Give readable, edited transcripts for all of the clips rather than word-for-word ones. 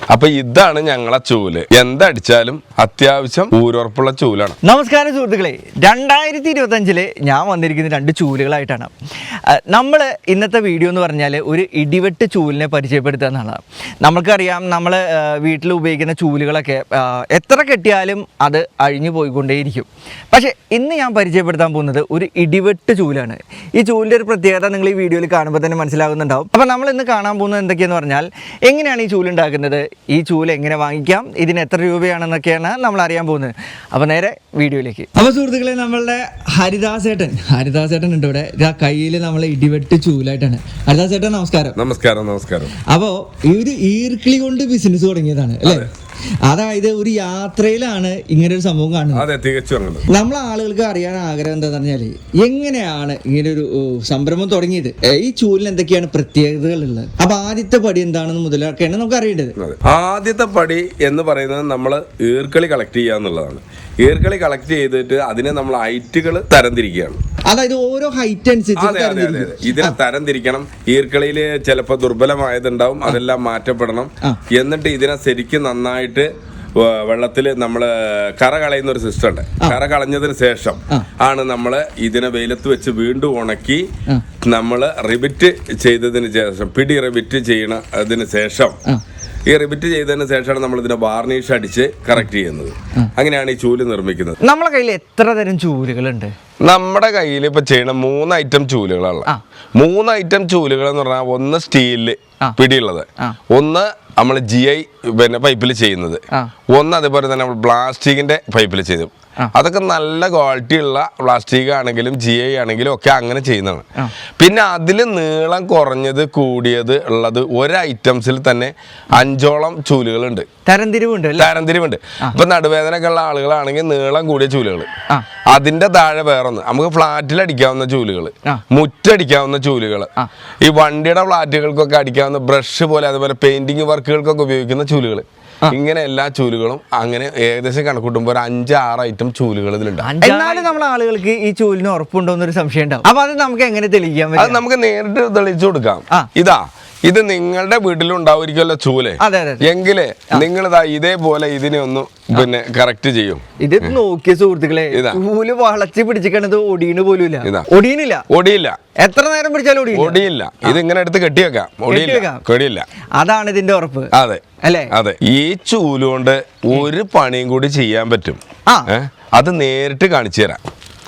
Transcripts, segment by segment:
അപ്പൊ ഇതാണ് ഞങ്ങളെ ചൂല്. എന്തടിച്ചാലും അത്യാവശ്യം ഊരുറപ്പുള്ള ചൂലാണ്. നമസ്കാരം സുഹൃത്തുക്കളെ, 2025 ഞാൻ വന്നിരിക്കുന്ന രണ്ട് ചൂലുകളായിട്ടാണ്. നമ്മൾ ഇന്നത്തെ വീഡിയോ എന്ന് പറഞ്ഞാൽ ഒരു ഇടിവെട്ട് ചൂലിനെ പരിചയപ്പെടുത്തുക എന്നുള്ളതാണ്. നമുക്കറിയാം, നമ്മൾ വീട്ടിൽ ഉപയോഗിക്കുന്ന ചൂലുകളൊക്കെ എത്ര കെട്ടിയാലും അത് അഴിഞ്ഞു പോയിക്കൊണ്ടേയിരിക്കും. പക്ഷേ ഇന്ന് ഞാൻ പരിചയപ്പെടുത്താൻ പോകുന്നത് ഒരു ഇടിവെട്ട് ചൂലാണ്. ഈ ചൂലിൻ്റെ ഒരു പ്രത്യേകത നിങ്ങൾ ഈ വീഡിയോയിൽ കാണുമ്പോൾ തന്നെ മനസ്സിലാകുന്നുണ്ടാവും. അപ്പോൾ നമ്മൾ ഇന്ന് കാണാൻ പോകുന്നത് എന്തൊക്കെയെന്ന് പറഞ്ഞാൽ, എങ്ങനെയാണ് ഈ ചൂലുണ്ടാക്കുന്നത്, ഈ ചൂല് എങ്ങനെ വാങ്ങിക്കാം, ഇതിന് എത്ര രൂപയാണെന്നൊക്കെയാണ് നമ്മൾ അറിയാൻ പോകുന്നത്. അപ്പോൾ നേരെ വീഡിയോയിലേക്ക്. അപ്പോൾ സുഹൃത്തുക്കളെ, നമ്മളുടെ ഹരിദാസേട്ടൻ ഉണ്ട് ഇവിടെ. കയ്യിൽ നമ്മളെ ഇടിവെട്ട് ചൂലായിട്ടാണ്. ഹരിദാസേട്ടൻ നമസ്കാരം. നമസ്കാരം. അപ്പോൾ ഈ ഒരു ഈർക്കിളി കൊണ്ട് ബിസിനസ് തുടങ്ങിയതാണ് അല്ലേ? അതായത് ഒരു യാത്രയിലാണ് ഇങ്ങനെ ഒരു സംഭവം കാണുന്നത്. അതെ, തികച്ചും. നമ്മളെ ആളുകൾക്ക് അറിയാൻ ആഗ്രഹം എന്താന്ന് പറഞ്ഞാല്, എങ്ങനെയാണ് ഇങ്ങനെ ഒരു സംരംഭം തുടങ്ങിയത്, ഈ ചൂലിന് എന്തൊക്കെയാണ് പ്രത്യേകതകൾ ഉള്ളത്, അപ്പൊ ആദ്യത്തെ പടി എന്താണെന്ന് മുതലൊക്കെയാണ് നമുക്ക് അറിയേണ്ടത്. ആദ്യത്തെ പടി എന്ന് പറയുന്നത് നമ്മൾ ഈർക്കളി കളക്ട് ചെയ്യുക എന്നുള്ളതാണ്. ഈർക്കളി കളക്ട് ചെയ്തിട്ട് അതിനെ നമ്മൾ ഹൈറ്റുകൾ തരംതിരിക്കുകയാണ്. അതായത് ഓരോ ഹൈറ്റ് അനുസരിച്ച് ഇതിനെ തരംതിരിക്കണം. ഈർക്കളിയിൽ ചിലപ്പോൾ ദുർബലമായതുണ്ടാവും, അതെല്ലാം മാറ്റപ്പെടണം. എന്നിട്ട് ഇതിനെ ശരിക്കും നന്നായിട്ട് വെള്ളത്തിൽ നമ്മൾ കറ കളയുന്ന ഒരു സിസ്റ്റം ഉണ്ട്. കറ കളഞ്ഞതിന് ശേഷം ആണ് നമ്മൾ ഇതിനെ വെയിലത്ത് വെച്ച് വീണ്ടും ഉണക്കി നമ്മൾ റിബിറ്റ് ചെയ്തതിന് ശേഷം, പിടി റിബിറ്റ് ചെയ്യണതിന് ശേഷം, ഈ റിബിറ്റ് ചെയ്തതിന് ശേഷമാണ് നമ്മൾ ഇതിനെ വാർണിഷ് അടിച്ച് കറക്റ്റ് ചെയ്യുന്നത്. അങ്ങനെയാണ് ഈ ചൂല് നിർമ്മിക്കുന്നത്. നമ്മളെ കയ്യിൽ എത്ര തരം ചൂലുകളുണ്ട്? നമ്മുടെ കയ്യിൽ ഇപ്പൊ ചെയ്യണ 3 ഐറ്റം ചൂലുകളാണ്. 3 ഐറ്റം ചൂലുകൾ എന്ന് പറഞ്ഞാൽ, ഒന്ന് സ്റ്റീലില് പിടിയുള്ളത്, ഒന്ന് നമ്മൾ GI പൈപ്പിൽ ചെയ്യുന്നത്, ഒന്ന് അതേപോലെ തന്നെ നമ്മൾ പ്ലാസ്റ്റിക്കിന്റെ പൈപ്പിൽ ചെയ്തു. അതൊക്കെ നല്ല ക്വാളിറ്റി ഉള്ള പ്ലാസ്റ്റിക് ആണെങ്കിലും GI ആണെങ്കിലും ഒക്കെ അങ്ങനെ ചെയ്യുന്നതാണ്. പിന്നെ അതിൽ നീളം കുറഞ്ഞത് കൂടിയത് ഉള്ളത് ഒരു ഐറ്റംസിൽ തന്നെ 5ഓളം ചൂലുകളുണ്ട്. തരംതിരിവുണ്ട്. ഇപ്പൊ നടുവേദനയൊക്കെ ഉള്ള ആളുകളാണെങ്കിൽ നീളം കൂടിയ ചൂലുകൾ, അതിന്റെ താഴെ വേറൊന്ന്, നമുക്ക് ഫ്ലാറ്റിൽ അടിക്കാവുന്ന ചൂലുകൾ, മുറ്റടിക്കാവുന്ന ചൂലുകൾ, ഈ വണ്ടിയുടെ ഫ്ലാറ്റുകൾക്കൊക്കെ അടിക്കാവുന്ന ബ്രഷ് പോലെ, അതുപോലെ പെയിന്റിങ് വർക്കുകൾക്കൊക്കെ ഉപയോഗിക്കുന്ന ചൂലുകൾ, ഇങ്ങനെ എല്ലാ ചൂലുകളും അങ്ങനെ ഏകദേശം കണക്കൂട്ടുമ്പോൾ ഒരു 5-6 ഐറ്റം ചൂലുകൾ ഇതിലുണ്ട്. എന്നാലും നമ്മളെ ആളുകൾക്ക് ഈ ചൂലിന് ഉറപ്പുണ്ടോ എന്നൊരു സംശയം ഉണ്ടാവും. അപ്പൊ അത് നമുക്ക് എങ്ങനെ തെളിയിക്കാൻ? അത് നമുക്ക് നേരിട്ട് തെളിയിച്ചു കൊടുക്കാം. ഇത് നിങ്ങളുടെ വീട്ടിലുണ്ടാവുമായിരിക്കുമല്ലോ ചൂല്. എങ്കിലേ നിങ്ങൾ ഇതേപോലെ ഇതിനെ ഒന്ന് കറക്റ്റ് ചെയ്യും. ഇത് നോക്കിയ സുഹൃത്തുക്കളെ, ചൂല് വളച്ച് പിടിച്ചിക്കണത് ഒടിയണ് പോലും ഒടിയില്ല. എത്ര നേരം പിടിച്ചാലും ഒടിയില്ല. ഇത് ഇങ്ങനെ എടുത്ത് കെട്ടിവെക്കാം, ഒടിയില്ല. അതാണ് ഇതിന്റെ ഉറപ്പ്. അതെ അല്ലേ? ഈ ചൂലുകൊണ്ട് ഒരു പണിയും കൂടി ചെയ്യാൻ പറ്റും. അത് നേരിട്ട് കാണിച്ചു തരാം.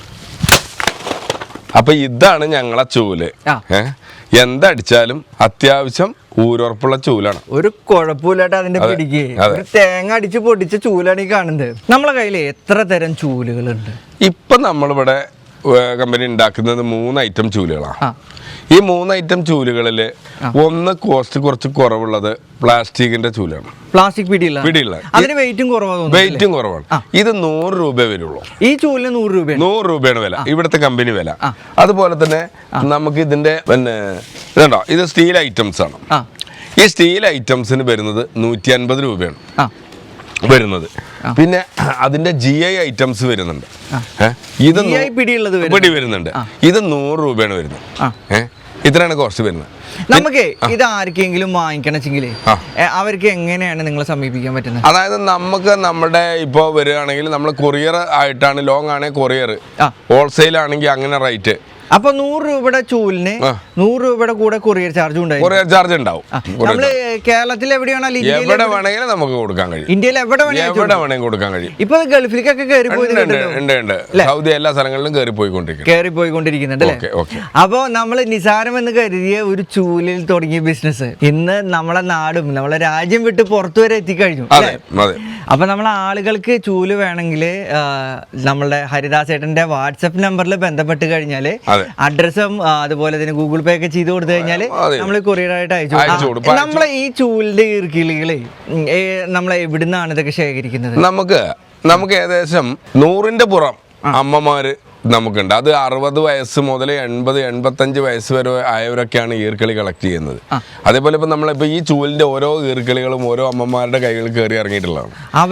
അപ്പൊ ഇതാണ് ഞങ്ങളെ ചൂല്. എന്തടിച്ചാലും അത്യാവശ്യം ഊരുറപ്പുള്ള ചൂലാണ്. ഒരു കുഴപ്പമില്ലാട്ട് അതിന്റെ പിടിക്ക് തേങ്ങ അടിച്ച് പൊടിച്ച ചൂലാണ് ഈ കാണുന്നത്. നമ്മളെ കയ്യിൽ എത്ര തരം ചൂലുകളുണ്ട്? ഇപ്പൊ നമ്മളിവിടെ കമ്പനി ഉണ്ടാക്കുന്നത് 3 ഐറ്റം ചൂലുകളാണ്. ഈ 3 ഐറ്റം ചൂലുകളില് ഒന്ന് കോസ്റ്റ് കുറച്ച് കുറവുള്ളത് പ്ലാസ്റ്റിക്കിന്റെ ചൂലാണ്. പ്ലാസ്റ്റിക് പിടിയുള്ള അതിന് വെയിറ്റും കുറവാണ്. ഇത് 100 രൂപ വരുള്ളൂ. ഈ ചൂലിന് 100 രൂപയാണ് വില, ഇവിടുത്തെ കമ്പനി വില. അതുപോലെ തന്നെ നമുക്ക് ഇതിന്റെ ഇതുണ്ടോ, ഇത് സ്റ്റീൽ ഐറ്റംസ് ആണ്. ഈ സ്റ്റീൽ ഐറ്റംസിന് വരുന്നത് 150 രൂപയാണ് വരുന്നത്. പിന്നെ അതിന്റെ GI ഐറ്റംസ് വരുന്നുണ്ട്. ഇത് പിടി വരുന്നുണ്ട്. ഇത് 100 രൂപയാണ് വരുന്നത്. ഇത്രയാണ് കോസ്റ്റ് വരുന്നത്. നമുക്ക് ഇത് ആർക്കെങ്കിലും വാങ്ങിക്കണമെങ്കിൽ അവർക്ക് എങ്ങനെയാണ് നിങ്ങളെ സമീപിക്കാൻ പറ്റുന്നത്? അതായത് നമുക്ക് നമ്മുടെ ഇപ്പോൾ വരികയാണെങ്കിൽ നമ്മൾ കൊറിയർ ആയിട്ടാണ്, ലോങ് ആണെങ്കിൽ കൊറിയർ, ഹോൾസെയിൽ ആണെങ്കിൽ അങ്ങനെ റേറ്റ്. അപ്പൊ 100 രൂപയുടെ ചൂലിന് 100 രൂപയുടെ കൂടെ കൊറിയർ ചാർജ് ഉണ്ടാവും. നമ്മള് കേരളത്തിൽ എവിടെ വേണമെങ്കിലും നമുക്ക് കൊടുക്കാൻ കഴിയും. ഇന്ത്യയിൽ എവിടെ വേണമെങ്കിലും കൊടുക്കാൻ കഴിയും. ഇപ്പൊ ഗൾഫിലേക്കൊക്കെ ഉണ്ട്. സൗദി എല്ലാ സ്ഥലങ്ങളിലും കയറി പോയിക്കൊണ്ടിരിക്കുന്നുണ്ട് അല്ലേ? അപ്പൊ നമ്മൾ നിസാരം എന്ന് കരുതിയ ഒരു ചൂലിൽ തുടങ്ങിയ ബിസിനസ് ഇന്ന് നമ്മളെ നാടും നമ്മളെ രാജ്യം വിട്ട് പുറത്തു വരെ എത്തിക്കഴിഞ്ഞു. അപ്പൊ നമ്മളെ ആളുകൾക്ക് ചൂല് വേണമെങ്കിൽ നമ്മളുടെ ഹരിദാസേട്ടന്റെ വാട്സപ്പ് നമ്പറിൽ ബന്ധപ്പെട്ട് കഴിഞ്ഞാല് അഡ്രസ്സും അതുപോലെ തന്നെ ഗൂഗിൾ പേ ഒക്കെ ചെയ്ത് കൊടുത്തു കഴിഞ്ഞാല് നമ്മൾ കൊറിയറായിട്ട് അയച്ചു കൊടുക്കും. നമ്മളെ ഈ ചൂലിന്റെ ഈർക്കിളികളെ നമ്മളെ എവിടുന്നാണ് ഇതൊക്കെ ശേഖരിക്കുന്നത്? നമുക്ക് ഏകദേശം 100ന്റെ പുറം അമ്മമാര് നമുക്കുണ്ട്. അത് 60 വയസ്സ് മുതൽ 80-85 വയസ്സ് വരെ ആയവരൊക്കെയാണ് ഈർക്കളി കളക്ട് ചെയ്യുന്നത്. അതേപോലെ ഇപ്പൊ നമ്മളിപ്പോ ഈ ചൂലിന്റെ ഓരോ ഈർക്കളികളും ഓരോ അമ്മമാരുടെ കൈകളിൽ കയറി ഇറങ്ങിയിട്ടുള്ളതാണ്.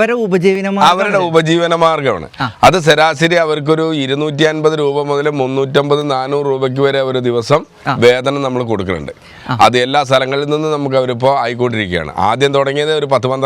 അവരുടെ ഉപജീവന മാർഗമാണ്. അത് ശരാശരി അവർക്കൊരു 250 രൂപ മുതൽ 350-400 രൂപയ്ക്ക് വരെ ഒരു ദിവസം വേതനം നമ്മൾ കൊടുക്കുന്നുണ്ട്. അത് എല്ലാ സ്ഥലങ്ങളിൽ നിന്നും നമുക്ക് അവരിപ്പോ ആയിക്കൊണ്ടിരിക്കുകയാണ്. ആദ്യം തുടങ്ങിയത് ഒരു 10-12